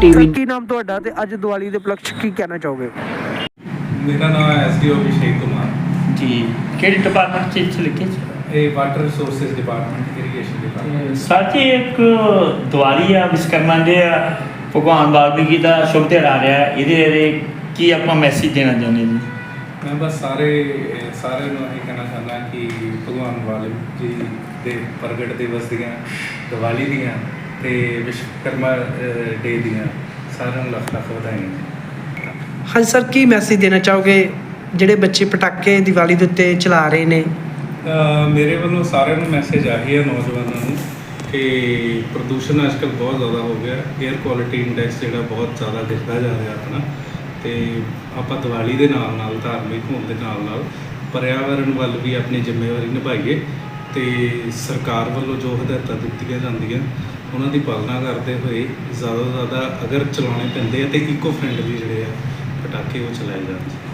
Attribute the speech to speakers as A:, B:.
A: TV.
B: ਕੀ ਨਾਮ ਤੁਹਾਡਾ ਤੇ ਅੱਜ ਦੀਵਾਲੀ ਦੇ ਉਪਲਕਸ਼ ਕੀ ਕਹਿਣਾ ਚਾਹੋਗੇ?
C: ਮੇਰਾ ਨਾਮ ਹੈ ਐਸਡੀਓ ਅਭਿਸ਼ੇਕ ਕੁਮਾਰ
A: ਜੀ ਕਿਹੜੀ ਡਿਪਾਰਟਮੈਂਟ ਚ ਲਿਖੇ
C: ਇਹ water resources department irrigation department.
A: Sir ਜੀ ਇੱਕ ਦੀਵਾਲੀ ਆ ਵਿਸ਼ਵਕਰਮਾ ਦੇ ਆ ਭਗਵਾਨ ਵਾਲਮੀਕੀ ਦਾ ਸ਼ੁਭ ਦਿਹਾੜਾ ਆ ਰਿਹਾ ਇਹਦੇ ਬਾਰੇ ਕੀ ਆਪਾਂ ਮੈਸੇਜ ਦੇਣਾ ਚਾਹੁੰਦੇ ਜੀ?
C: ਮੈਂ ਬਸ ਸਾਰਿਆਂ ਨੂੰ ਇਹ ਕਹਿਣਾ ਚਾਹੁੰਦਾ ਕਿ ਭਗਵਾਨ ਵਾਲਮੀਕੀ ਜੀ ਦੇ ਪ੍ਰਗਟ ਦਿਵਸ ਦੀਆਂ ਦੀਵਾਲੀ ਦੀਆਂ ਤੇ ਵਿਸ਼ਵਕਰਮਾ ਡੇ ਦੀਆਂ ਸਾਰਿਆਂ ਨੂੰ ਲੱਖ ਲੱਖ ਵਧਾਈਆਂ।
B: ਹਾਂਜੀ ਸਰ, ਕੀ ਮੈਸੇਜ ਦੇਣਾ ਚਾਹੋਗੇ ਜਿਹੜੇ ਬੱਚੇ ਪਟਾਕੇ ਦੀਵਾਲੀ ਦੇ ਉੱਤੇ ਚਲਾ ਰਹੇ ਨੇ?
C: ਮੇਰੇ ਵੱਲੋਂ ਸਾਰਿਆਂ ਨੂੰ ਮੈਸੇਜ ਆਹੀ ਹੈ ਨੌਜਵਾਨਾਂ ਨੂੰ ਕਿ ਪ੍ਰਦੂਸ਼ਣ ਅੱਜ ਕੱਲ੍ਹ ਬਹੁਤ ਜ਼ਿਆਦਾ ਹੋ ਗਿਆ। ਏਅਰ ਕੁਆਲਿਟੀ ਇੰਡੈਕਸ ਜਿਹੜਾ ਬਹੁਤ ਜ਼ਿਆਦਾ ਦਿਖਦਾ ਜਾ ਰਿਹਾ ਆਪਣਾ, ਅਤੇ ਆਪਾਂ ਦੀਵਾਲੀ ਦੇ ਨਾਲ ਨਾਲ ਧਾਰਮਿਕ ਹੋਣ ਦੇ ਨਾਲ ਨਾਲ ਪਰਿਆਵਰਨ ਵੱਲ ਵੀ ਆਪਣੀ ਜ਼ਿੰਮੇਵਾਰੀ ਨਿਭਾਈਏ ਅਤੇ ਸਰਕਾਰ ਵੱਲੋਂ ਜੋ ਹਦਾਇਤਾਂ ਦਿੱਤੀਆਂ ਜਾਂਦੀਆਂ ਉਹਨਾਂ ਦੀ ਪਾਲਣਾ ਕਰਦੇ ਹੋਏ ਜ਼ਿਆਦਾ ਤੋਂ ਜ਼ਿਆਦਾ ਅਗਰ ਚਲਾਉਣੇ ਪੈਂਦੇ ਆ ਤਾਂ ਇਕੋ ਫਰੈਂਡਲੀ ਜਿਹੜੇ ਆ ਪਟਾਕੇ ਉਹ ਚਲਾਏ ਜਾਣ।